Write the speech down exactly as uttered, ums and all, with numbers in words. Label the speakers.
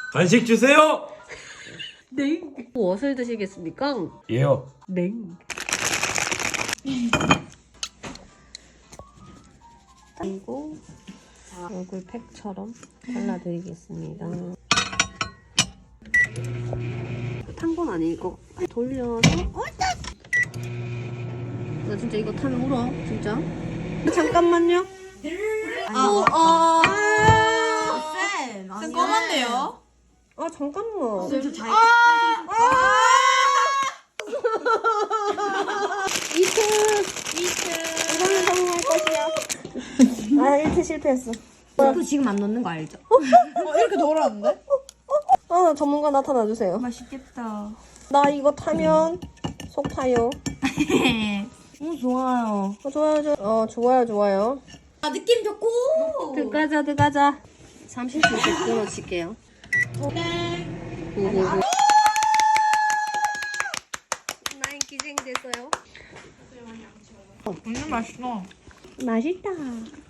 Speaker 1: 간식 주세요.
Speaker 2: 네. 무엇을 드시겠습니까?
Speaker 1: 예요.
Speaker 2: 네. 그리고 얼굴 팩처럼 발라드리겠습니다. 탄 건 아니고 돌려서. 나 진짜 이거 타면 울어. 진짜. 잠깐만요.
Speaker 3: 아, 어, 어.
Speaker 4: 쌤,
Speaker 3: 쌤 검은데요?
Speaker 2: 아 잠깐만.
Speaker 4: 쌤, 저 자기.
Speaker 2: 이트. 이거는 성공할 것이야. 아 일 트 실패했어.
Speaker 4: 또 지금 안 넣는 거 알죠?
Speaker 3: 어, 이렇게 덜었는데?
Speaker 2: 아 전문가 나타나 주세요.
Speaker 4: 맛있겠다.
Speaker 2: 나 이거 타면 속 타요.
Speaker 4: 오, 좋아요.
Speaker 2: 어, 좋아요, 좋아요. 어, 좋아요, 좋아요.
Speaker 4: 아, 느낌 좋고.
Speaker 2: 들어가자, 들어가자. 삼십 분씩 끊어칠게요. 오오오. 나인 기생됐어요.
Speaker 3: 완전 맛있어.
Speaker 2: 맛있다.